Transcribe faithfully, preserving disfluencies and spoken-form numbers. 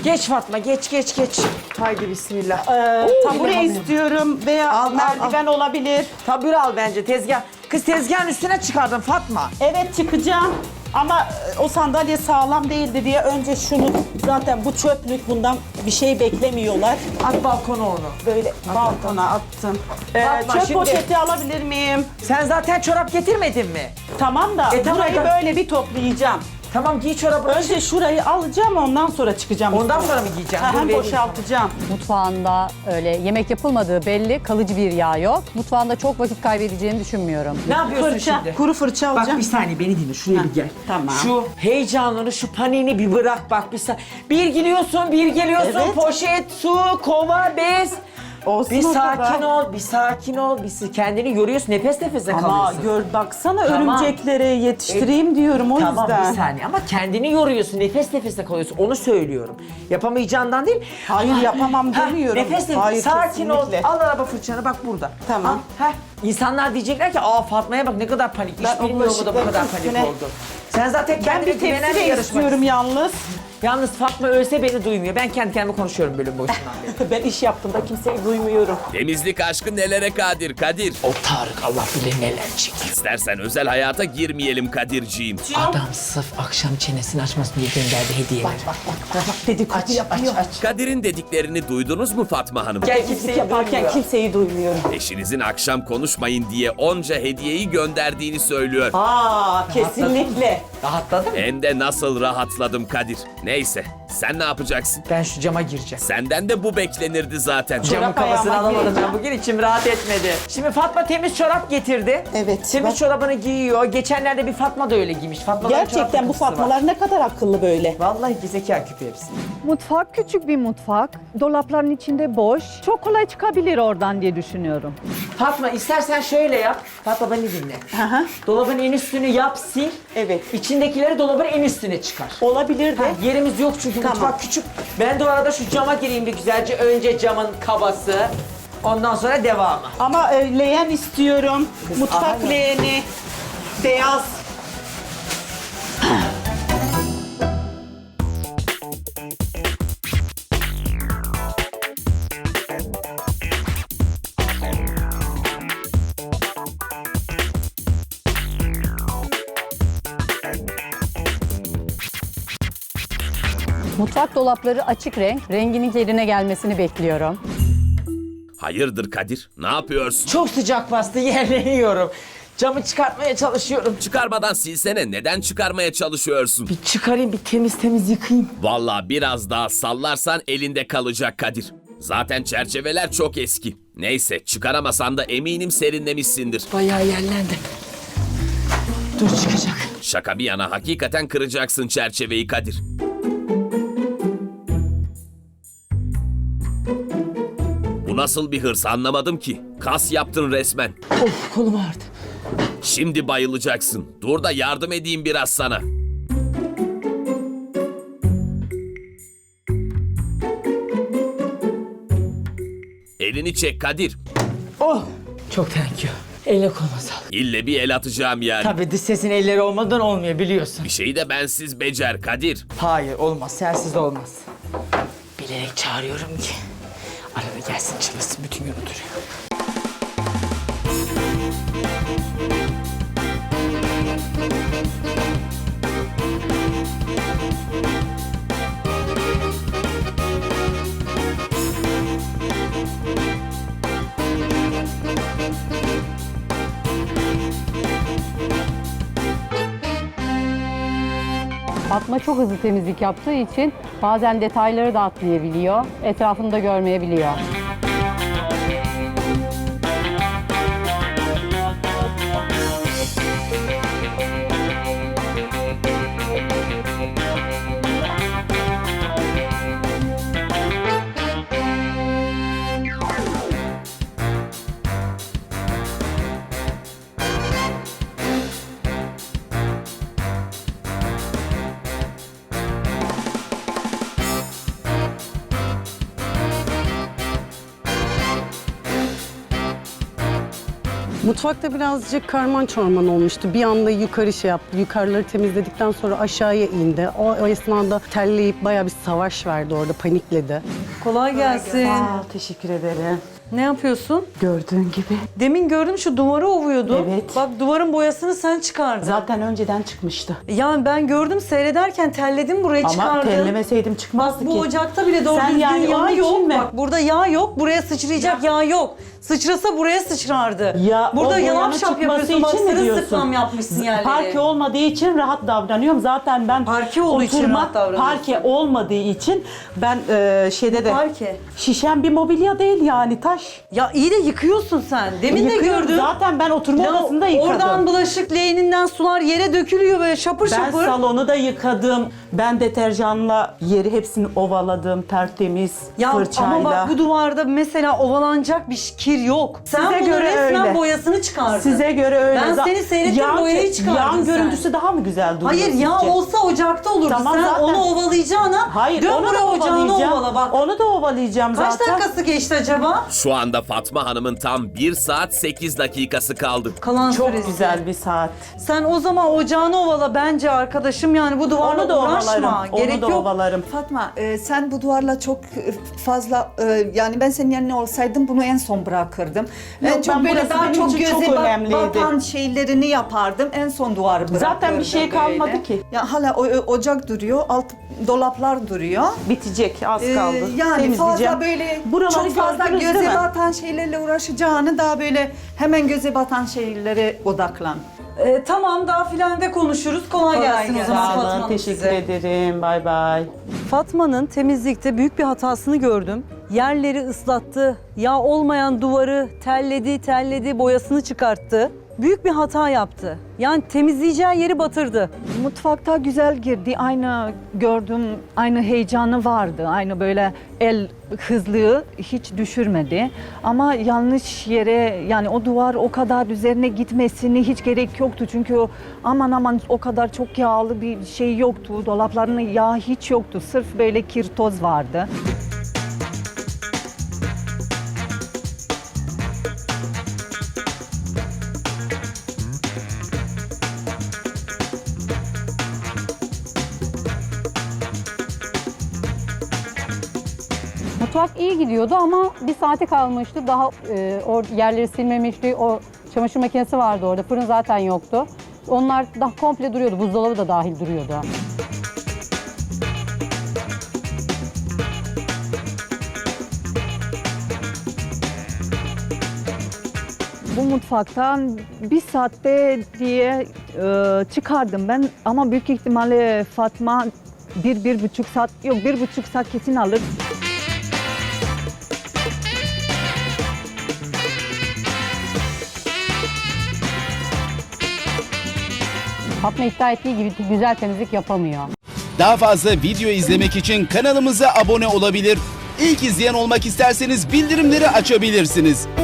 Geç Fatma, geç geç geç. Haydi bismillah. Ee, Oo, tabure bilemem. istiyorum veya Al, al, merdiven olabilir. Tabure al bence tezgah. Kız tezgahın üstüne çıkardın Fatma. Evet çıkacağım ama e, o sandalye sağlam değildi diye önce şunu zaten bu çöplük bundan bir şey beklemiyorlar. At balkona onu. Böyle balkona attım. Ee, Fatma, çöp şimdi- poşeti alabilir miyim? Sen zaten çorap getirmedin mi? Tamam da E, tamam burayı da- böyle bir toplayacağım. Tamam giy çorabını. Önce şurayı alacağım ondan sonra çıkacağım. Ondan üstüne. sonra mı giyeceksin? Aha, Dur, vereyim. boşaltacağım. Mutfağında öyle yemek yapılmadığı belli, kalıcı bir yağ yok. Mutfağında çok vakit kaybedeceğini düşünmüyorum. Ne yapıyorsun Fırça, şimdi? kuru fırça Bak alacağım. bir saniye beni dinle şuraya Heh, bir gel. tamam. Şu heyecanını, şu paniğini bir bırak bak bir saniye. Bir giriyorsun, bir geliyorsun, Evet. poşet, su, kova, bez. Olsun Bir o sakin kadar. ol, bir sakin ol. Bir kendini yoruyorsun, nefes nefese Ama kalıyorsun. gör baksana Tamam. örümcekleri yetiştireyim diyorum o Tamam yüzden. bir saniye ama kendini yoruyorsun, nefes nefese kalıyorsun. Onu söylüyorum. Yapamayacağından değil. Hayır, yapamam Ha, demiyorum. Nefes nefes, Hayır, sakin ol. kesinlikle. Al araba fırçanı bak burada. Tamam. Al, heh. İnsanlar diyecekler ki aa Fatma'ya bak ne kadar panik. Ben Hiç o bilmiyor mu da bu bulaşıkların kadar panik üstüne- oldu. Sen zaten Ben kendine bir güvenen tepsi bir de yarışmacısın. istiyorum yalnız. Yalnız Fatma ölse beni duymuyor. Ben kendi kendime konuşuyorum bölüm boşundan beri. Ben iş yaptığımda kimseyi duymuyorum. Temizlik aşkı nelere kadir Kadir? O Tarık Allah bilir neler çekiyor. İstersen özel hayata girmeyelim Kadirciğim. Adam sırf akşam çenesini açmasın diye gönderdi hediyeleri. Bak bak bak dedikodu Aç, aç, yapıyor. aç. Kadir'in dediklerini duydunuz mu Fatma Hanım? Gel Temizlik kimseyi yaparken duymuyor. kimseyi duymuyorum. Eşinizin akşam konuşmayın diye onca hediyeyi gönderdiğini söylüyor. Aa kesinlikle. Rahatladın mı? Hem de nasıl rahatladım Kadir. Neyse, sen ne yapacaksın? Ben şu cama gireceğim. Senden de bu beklenirdi zaten. Camın Çorap kafasını ayağıma alamadım ben gireceğim. bugün içim rahat etmedi. Şimdi Fatma temiz çorap getirdi. Evet, Temiz bak. çorabını giyiyor. Geçenlerde bir Fatma da öyle giymiş. Fatma'nın çorap Gerçekten bu takıntısı var. Fatmalar ne kadar akıllı böyle. Vallahi ki zeka küpü hepsi. Mutfak küçük bir mutfak. Dolapların içinde boş. Çok kolay çıkabilir oradan diye düşünüyorum. Fatma istersen şöyle yap. Fatma beni dinle. Aha. Dolabın en üstünü yap sil. Evet. İçindekileri dolabın en üstüne çıkar. Olabilir de. Ha, yerimiz yok çünkü Tamam. mutfak küçük. Ben de o arada şu cama gireyim bir güzelce. Önce camın kabası. Ondan sonra devamı. Ama e, leğen istiyorum. Kız, Mutfak aha. leğeni. Beyaz. Mutfak dolapları açık renk, renginin yerine gelmesini bekliyorum. Hayırdır Kadir? Ne yapıyorsun? Çok sıcak bastı yerleniyorum. Camı çıkartmaya çalışıyorum. Çıkarmadan silsene. Neden çıkarmaya çalışıyorsun? Bir çıkarayım bir temiz temiz yıkayayım. Vallahi biraz daha sallarsan elinde kalacak Kadir. Zaten çerçeveler çok eski. Neyse çıkaramasan da eminim serinlemişsindir. Bayağı yerlendi. Dur çıkacak. Şaka bir yana hakikaten kıracaksın çerçeveyi Kadir. Bu nasıl bir hırs anlamadım ki. Kas yaptın resmen. Of kolum ağrıdı. Şimdi bayılacaksın. Dur da yardım edeyim biraz sana. Elini çek Kadir. Oh çok thank you. Elle koluma sağlık. İlle bir el atacağım yani. Tabii dış sesin elleri olmadan olmuyor biliyorsun. Bir şeyi de bensiz becer Kadir. Hayır olmaz sensiz de olmaz. Bilerek çağırıyorum ki. Arada gelsin çalışsın bütün gün oturuyor. Fatma çok hızlı temizlik yaptığı için bazen detayları da atlayabiliyor, etrafını da görmeyebiliyor. Mutfakta birazcık karman çorman olmuştu. Bir anda yukarı şey yaptı. Yukarıları temizledikten sonra aşağıya indi. O, o esnada terleyip bayağı bir savaş verdi orada, panikledi. Kolay gelsin. Aa, teşekkür ederim. Ne yapıyorsun? Gördüğün gibi. Demin gördüm şu duvarı ovuyordun. Evet. Bak duvarın boyasını sen çıkardın. Zaten önceden çıkmıştı. Yani ben gördüm seyrederken telledim buraya Ama çıkardın. tellemeseydim çıkmazdı Bak bu ki. ocakta bile doğru Sen düzgün yani yağ onun için yok. mi? Bak burada yağ yok. Buraya sıçrayacak yağ yok. Sıçrasa buraya sıçrardı. Ya, burada o yalap boyanın şap çıkması yapıyorsun. Bak için mi diyorsun? sırılsıklam yapmışsın yerleri. Parke olmadığı için rahat davranıyorum. Zaten ben Parke olduğu için oturma- rahat davranıyorsun. Parke olmadığı için ben e, şeyde de parke. şişen bir mobilya değil yani taş. Ya iyi de yıkıyorsun sen. Demin de Yıkıyorum. gördüm. Zaten ben oturma Ya odasında yıkadım. oradan bulaşık leğeninden sular yere dökülüyor böyle şapır Ben şapır. salonu da yıkadım. Ben deterjanla yeri hepsini ovaladım tertemiz Ya fırçayla. ama bak bu duvarda mesela ovalanacak bir kir yok. Sen Size bunu göre resmen öyle. boyasını çıkardın. Size göre öyle. Ben Za- seni seyrettim, Yan- boyayı çıkardın Yan sen. görüntüsü daha mı güzel duruyor Hayır ya sizce? olsa ocakta olurdu. Tamam, Sen zaten- onu ovalayacağına Hayır, dön onu buraya da ocağını ovalayacağım. ovala bak. Onu da ovalayacağım Kaç zaten. dakikası geçti acaba? Şu anda Fatma Hanım'ın tam bir saat sekiz dakikası kaldı. Kalan Çok süresi. güzel bir saat. Sen o zaman ocağını ovala bence arkadaşım yani bu duvarla Onu da uğraşma. ovalarım. Gerek Onu da yok. ovalarım. Fatma, e, sen bu duvarla çok e, fazla e, yani ben senin yerine olsaydım bunu en son bırakırdım. Yok, en çok ben böyle burası daha benim çok için göze çok bat- önemliydi. batan şeylerini yapardım. En son duvarı bırakırdım. Zaten bir şey kalmadı böyle. ki. Ya hala o, o- ocak duruyor, alt dolaplar duruyor. Bitecek az Ee, kaldı. yani Temizleyeceğim. fazla böyle Buraları çok fazla gördünüz göze değil mi? batan şeylerle uğraşacağını daha böyle hemen göze batan şeylere odaklan. Ee, tamam daha filende konuşuruz. Kolay, Kolay gelsin o gelsin. zaman Sağ olun, Fatma teşekkür size. ederim. Bay bay. Fatma'nın temizlikte büyük bir hatasını gördüm. Yerleri ıslattı, yağ olmayan duvarı telledi, telledi, boyasını çıkarttı. Büyük bir hata yaptı. Yani temizleyeceği yeri batırdı. Mutfakta güzel girdi. Aynı gördüm, aynı heyecanı vardı. Aynı böyle el hızlılığı hiç düşürmedi. Ama yanlış yere yani o duvar o kadar üzerine gitmesini hiç gerek yoktu. Çünkü o aman aman o kadar çok yağlı bir şey yoktu. Dolaplarının yağ hiç yoktu. Sırf böyle kir toz vardı. Mutfak iyi gidiyordu ama bir saate kalmıştı. Daha e, o yerleri silmemişti. O çamaşır makinesi vardı orada. Fırın zaten yoktu. Onlar daha komple duruyordu. Buzdolabı da dahil duruyordu. Bu mutfaktan bir saatte diye e, çıkardım ben ama büyük ihtimalle Fatma bir, bir buçuk saat, yok bir buçuk saat kesin alır. Fatma iddia ettiği gibi güzel temizlik yapamıyor. Daha fazla video izlemek için kanalımıza abone olabilir. İlk izleyen olmak isterseniz bildirimleri açabilirsiniz.